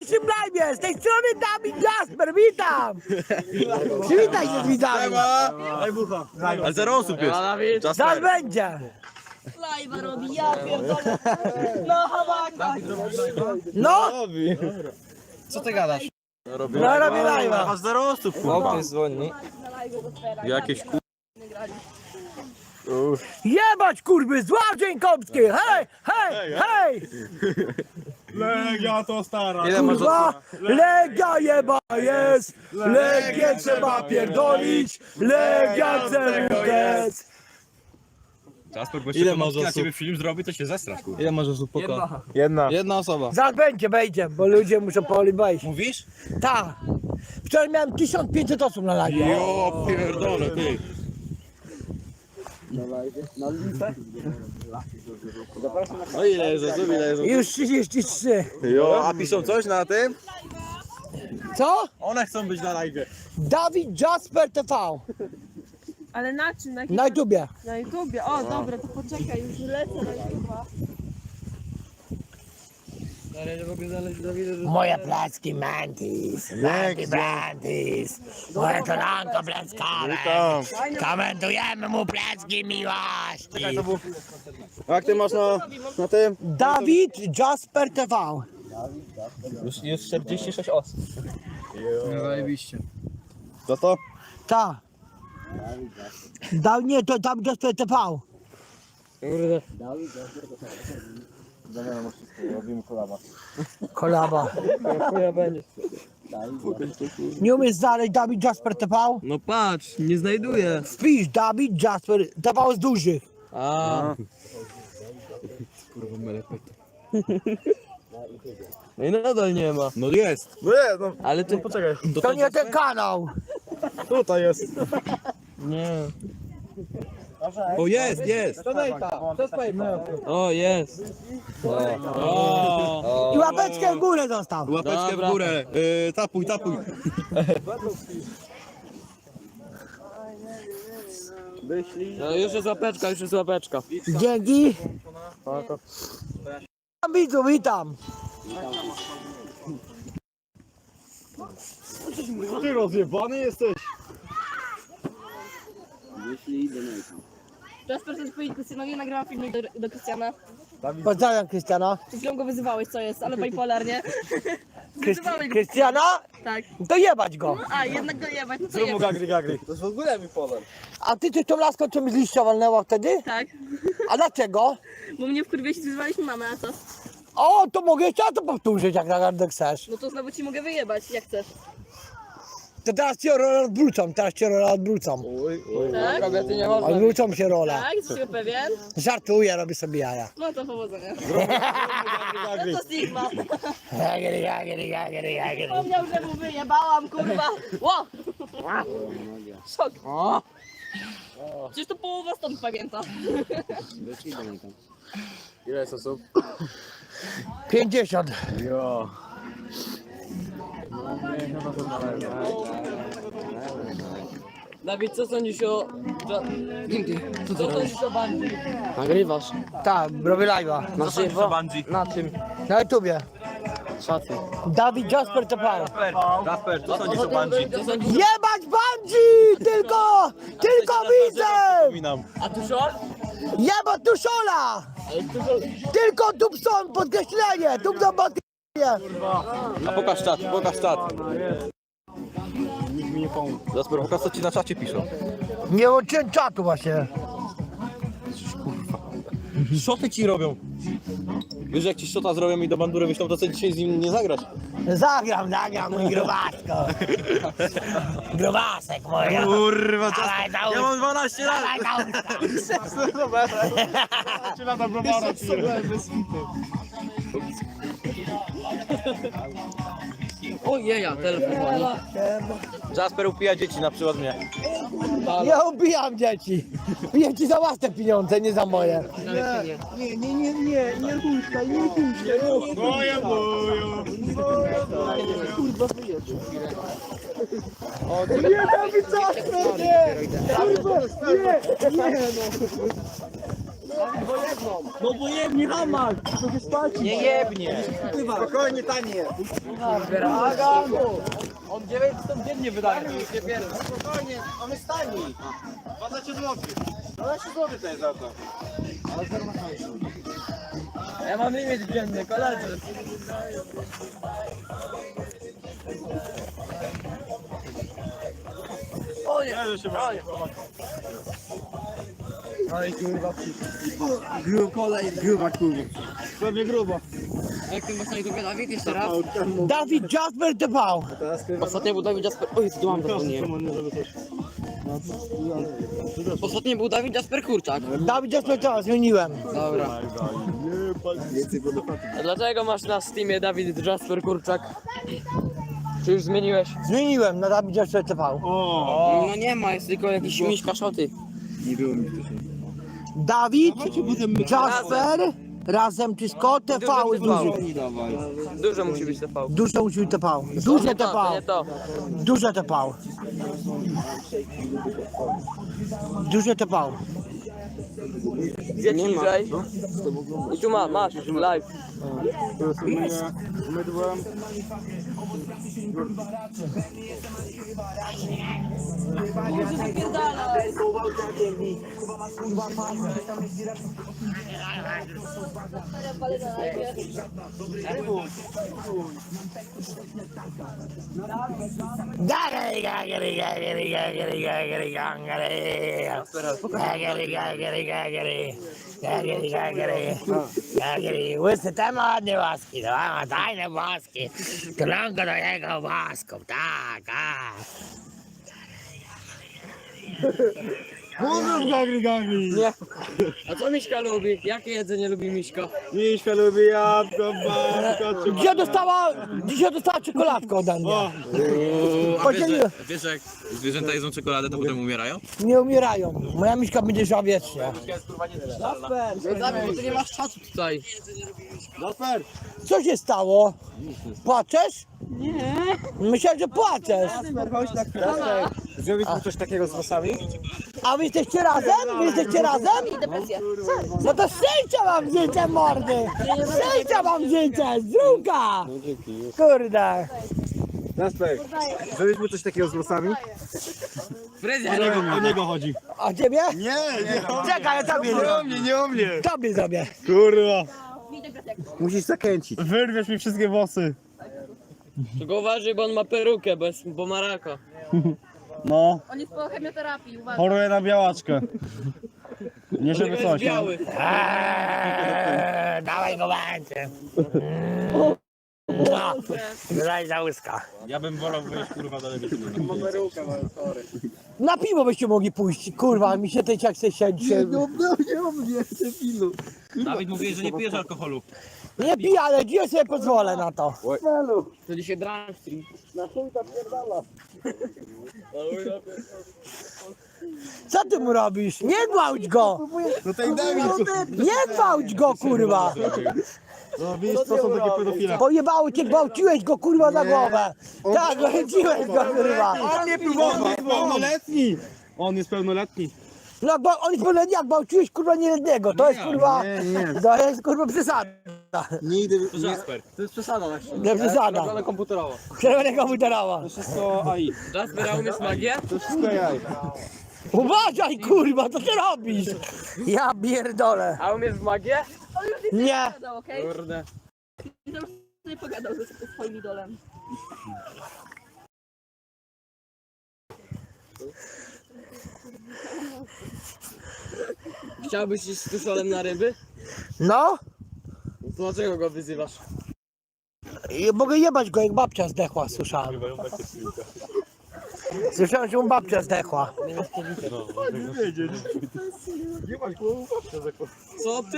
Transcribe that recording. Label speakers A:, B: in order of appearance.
A: naszym live z tej strony Dawid Jasper, witam! Przywitaj się z widzami.
B: Ale 0 osób jest.
A: Zaraz będzie.
C: Live'a robi, ja pierdolę. No hawaka.
A: No,
D: Co ty gadasz?
A: no robię live'a.
B: Masz 0 osób, kurwa.
D: Ktoś dzwoni.
B: Jakieś ku...
A: Jebać kurwy, Zław Kąpski, hej, hej, hej!
B: Legia to stara.
D: Ile masz
A: Kurwa, Legia jeba jest, Legię trzeba pierdolić, Legia CWS.
B: Jasper, bo
D: Ile
B: jeszcze
D: masz
B: na
D: osób?
B: ciebie film zrobi, to się zestrasz, kurwa.
D: Ile masz osób poko?
B: Jedna.
D: Jedna osoba.
A: Zaraz będzie, wejdzie, bo ludzie muszą powoli wejść.
D: Mówisz?
A: Tak. Wczoraj miałem 1500 osób na live.
B: Jo, pierdolę, ty.
D: No ile jest osób? Ile jest osób?
A: Już 33.
D: Jo, a piszą coś na tym?
A: Co?
D: One chcą być na live.
A: Dawid Jasper TV.
C: Ale na czym? Na, jakim...
A: Na YouTubie.
C: na YouTubie. O, dobra, to poczekaj, już lecę na YouTube'a.
A: Moje placki Mantis, Mantis Brantis, moje kolanko plackowe. Komentujemy mu placki miłości.
D: Jak ty masz na tym?
A: Dawid Jasper TV.
D: Już 46 osób. No zajebiście. Co to?
A: Tak. Nie, to Dawid Jasper TV.
D: Kurde.
A: Kolaba.
D: Chuja będzie.
A: Nie umiesz znaleźć Dawid Jasper TV?
D: No patrz, nie znajduję.
A: Wpisz Dawid Jasper TV z dużych.
D: A. Kurwa melepet. No i nadal nie ma.
B: No jest.
D: Ale ty poczekaj.
A: To nie ten kanał.
B: Tutaj jest.
D: Nie.
B: O, jest.
D: O, jest. O.
A: I łapeczkę w górę zostaw.
B: Łapeczkę
D: Dobra.
B: w górę. Tapuj.
D: No już jest łapeczka, już jest łapeczka.
A: Dzięki. Witam widzów, witam.
B: Ty rozjebany jesteś.
C: Jasper, chcesz powiedzieć Krystianowi, nagrałam filmik do Krystiana.
A: Pozdrawiam Krystiana.
C: Przed chwilą go wyzywałeś, co jest, ale bipolar, nie? Wyzywałeś go.
A: Krystiana?
C: Tak.
A: To jebać go.
C: A, jednak go jebać, no to jebać.
B: Gagry.
D: To jest w ogóle mi polar.
A: A ty tą laską co mi z liścia walnęła wtedy?
C: Tak.
A: A dlaczego?
C: Bo mnie wkurwiłeś i wyzywaliśmy mamę, a co?
A: O, to mogę jeszcze to powtórzyć, jak naprawdę chcesz.
C: No to znowu ci mogę wyjebać, jak chcesz.
A: To teraz cię rolę odwrócą.
C: Tak?
D: Kobiety nie można.
A: Odwrócą się role.
C: Tak? Jesteś tego pewien?
A: Żartuję, robię sobie jaja.
C: No to powodzenia. No to Sigma. Wspomniał, że mu wyjebałam, kurwa. Ło! Szok. Przecież to połowa stąd pamięta.
D: Ile jest osób?
A: 50.
D: Dawid, co sądzisz o... Co sądzisz o bandzi? Nagrywasz.
A: Tak, robię live'a.
D: Na żywo? Na czym?
A: Na YouTubie.
D: Szacuj.
A: Dawid Jasper TV.
B: Jasper, co sądzisz o Bungie?
D: Co sądzisz?
A: Jebać Bungie! Tylko widzę!
B: Przypominam.
D: A tu short?
A: Jebać Tuszola! Tylko Dubson, podkreślenie! Dubson, podkreślenie!
B: A pokaż czat. Nikt mi nie pomógł. Jasper, pokaż co ci na czacie piszą.
A: Nie łączyłem czatu właśnie.
B: Szoty ci robią. Wiesz, jak ci szota zrobią i do bandury wyślą, to co dzisiaj z nim nie zagrasz?
A: Zagram, mój grubasko. Grubasek mój.
B: Kurwa,
A: Dawaj,
B: ja mam 12 lat.
A: Dawaj,
D: Ojeja, telefon dzwoni.
B: Jasper upija dzieci, na przykład mnie.
A: Nie ubijam dzieci. Piję ci za własne pieniądze, nie za moje.
B: Moje boju.
A: Nie, Dawid Jasper, nie! Kurwa, nie!
B: No bo jebnie hamak! To się spłaci! Nie jebnie!
E: Spokojnie, tanie.
B: On 900 dziennie wydaje, to już nie pierdol.
E: Spokojnie, on jest tani. 12 zł. 12 zł to jest za to.
D: Ja mam limit dzienny, koledzy. O nie, o nie.
E: Gruba kurwa.
B: Pewnie grubo.
D: Jak ten właśnie to Dawid jeszcze raz?
A: Dawid Jasper TV.
D: Ostatnio był Dawid Jasper... Oj, tu mam to nie. Ostatnio był Dawid Jasper Kurczak.
A: Dawid Jasper TV, zmieniłem.
D: Dobra. A dlaczego masz na Steamie Dawid Jasper Kurczak? Czy już zmieniłeś?
A: Zmieniłem na Dawid Jasper TV.
D: No nie ma, jest tylko jakiś miśka szoty.
A: Dawid Jasper razem wszystko TV duży.
D: Dużo musi być TV.
A: Duże musi być TV. Duże
D: Nie to, to nie
A: TV.
D: to.
A: Duże TV. Duże TV.
D: Zjedź niżej. I tu masz, live.
E: Mydłem.
C: Muszę zapierdalać.
A: Gagary, gagary, gagary, gagary, gagary, gagary. Gagary, gagary, gagary. Gagary, gagary. Gagary. Łysy temat nie łaski, to ma tajne łaski. Klonko do jego łasków, tak, tak.
E: Mówisz gagry, gagry.
D: Nie. A co Miśka lubi? Jakie jedzenie lubi Miśka?
E: Miśka lubi jabłko, babko,
A: Dzisiaj dostała czekoladkę ode mnie.
B: A wiesz, że jak zwierzęta jedzą czekoladę, to potem umierają?
A: Nie umierają. Moja miśka będzie żyła wiecznie.
D: Dawid, bo ty nie masz czasu tutaj.
E: Jasper.
A: Co się stało? Płaczesz? Nie. Myślałem, że płaczesz.
E: Jasper, chodź na chwilę. Zrobić mu coś takiego z włosami?
A: A wy jesteście razem? Wy jesteście razem?
C: Depresja.
A: No to zdjęcia mam zdjęcie mordy! Zdjęcia mam zdjęcie! Zdrówka! Kurde!
E: Jasper, zrobić mu coś takiego z włosami?
D: Fryzjer.
B: O niego chodzi.
A: A ciebie?
E: Nie.
A: Czekaj, ja tobie
E: Nie o mnie, nie o mnie.
A: Tobie zrobię.
E: Kurwa.
C: Mi depresja.
E: Musisz zakręcić. Wyrwiesz mi wszystkie włosy.
D: Tylko uważaj, bo on ma perukę, bo ma raka.
E: No,
C: On jest po chemioterapii, uważaj.
E: choruję na białaczkę. Nie żeby
D: Jest
E: coś. no.
D: biały.
A: Dawaj go będzie. Daj za łyska.
B: Ja bym wolał wyjść kurwa do lewej.
A: Na piwo byście mogli pójść. Kurwa, mi się ten jak chce siedzi.
B: Dawid mówi, że nie pijesz alkoholu.
A: Nie piję, ale dzisiaj sobie pozwolę na to.
D: To dzisiaj drunk stream.
A: Co ty mu robisz? Nie gwałć go!
E: No tak daj mi.
A: Nie gwałć go, kurwa!
E: No widzisz, co są takie pedofile.
A: Pojebało cię, gwałciłeś go, kurwa, za głowę. Tak, gwałciłeś go, kurwa.
E: On nie próbował, on jest pełnoletni. On jest pełnoletni.
A: No, bo on jest pełen jak gwałciłeś, kurwa, nieletniego. To jest, kurwa,
E: nie.
A: to jest, kurwa, przesada.
E: Nie idę.
B: To Jasper.
D: To jest przesada właśnie.
A: Nie przesada.
D: Ale komputerowo.
A: Przerwane komputerowa.
E: Wszystko AI.
D: Jasper, a umiesz magię?
E: To wszystko AI.
A: Uważaj, kurwa, co ty robisz? Ja pierdolę.
D: A umiesz w magię?
C: On już
A: Nie.
C: pogadał, okej?
D: Kurde.
C: Okay? Już sobie pogadał ze swoim idolem.
D: Chciałbyś iść z tuszolem na ryby?
A: No,
D: To dlaczego go wyzywasz?
A: i mogę jebać go, jak babcia zdechła, słyszałem. Słyszałem, że mu babcia zdechła.
D: Co ty?